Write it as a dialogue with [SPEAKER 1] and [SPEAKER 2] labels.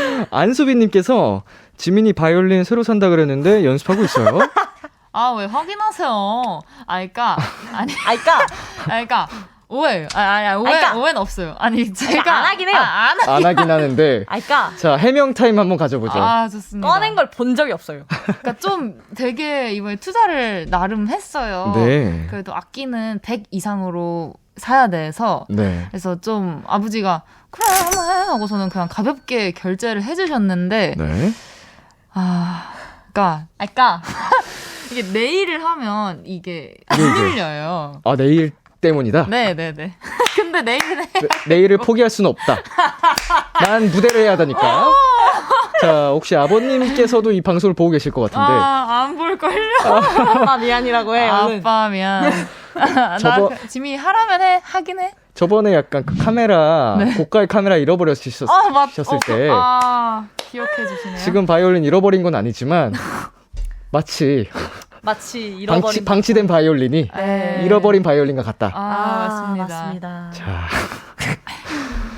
[SPEAKER 1] 안수빈님께서 지민이 바이올린 새로 산다 그랬는데 연습하고 있어요?
[SPEAKER 2] 아, 왜 확인하세요? 알까? 아니,
[SPEAKER 3] 알까?
[SPEAKER 2] 알까? 오해요. 오해는 없어요. 아니, 제가.
[SPEAKER 3] 안 하긴 해요.
[SPEAKER 1] 안 하긴 하는데.
[SPEAKER 3] 알까?
[SPEAKER 1] 자, 해명 타임 한번 가져보죠.
[SPEAKER 2] 아, 좋습니다.
[SPEAKER 3] 꺼낸 걸 본 적이 없어요.
[SPEAKER 2] 그러니까 좀 되게 이번에 투자를 나름 했어요.
[SPEAKER 1] 네.
[SPEAKER 2] 그래도 악기는 100 이상으로 사야 돼서.
[SPEAKER 1] 네.
[SPEAKER 2] 그래서 좀 아버지가 그래, 한번 해 하고서는 그냥 가볍게 결제를 해주셨는데.
[SPEAKER 1] 네.
[SPEAKER 2] 알까? 이게 네일을 하면 이게 안 밀려요.
[SPEAKER 1] 아, 네일 때문이다?
[SPEAKER 2] 네네네. 근데 네일은
[SPEAKER 1] 네일을 포기할 수는 없다. 난 무대를 해야 하다니까. 자, 혹시 아버님께서도 이 방송을 보고 계실 것 같은데.
[SPEAKER 2] 안 볼걸요?
[SPEAKER 3] 아빠 미안이라고 해.
[SPEAKER 2] 아빠 미안. 나 지민이 하라면 하긴 해.
[SPEAKER 1] 저번에 약간 그 카메라, 고가의 카메라 잃어버렸었을 때.
[SPEAKER 2] 기억해 주시네요.
[SPEAKER 1] 지금 바이올린 잃어버린 건 아니지만, 마치
[SPEAKER 3] 잃어버린
[SPEAKER 1] 방치된 바이올린이
[SPEAKER 2] 네.
[SPEAKER 1] 잃어버린 바이올린과 같다.
[SPEAKER 2] 맞습니다.
[SPEAKER 3] 맞습니다.
[SPEAKER 1] 자,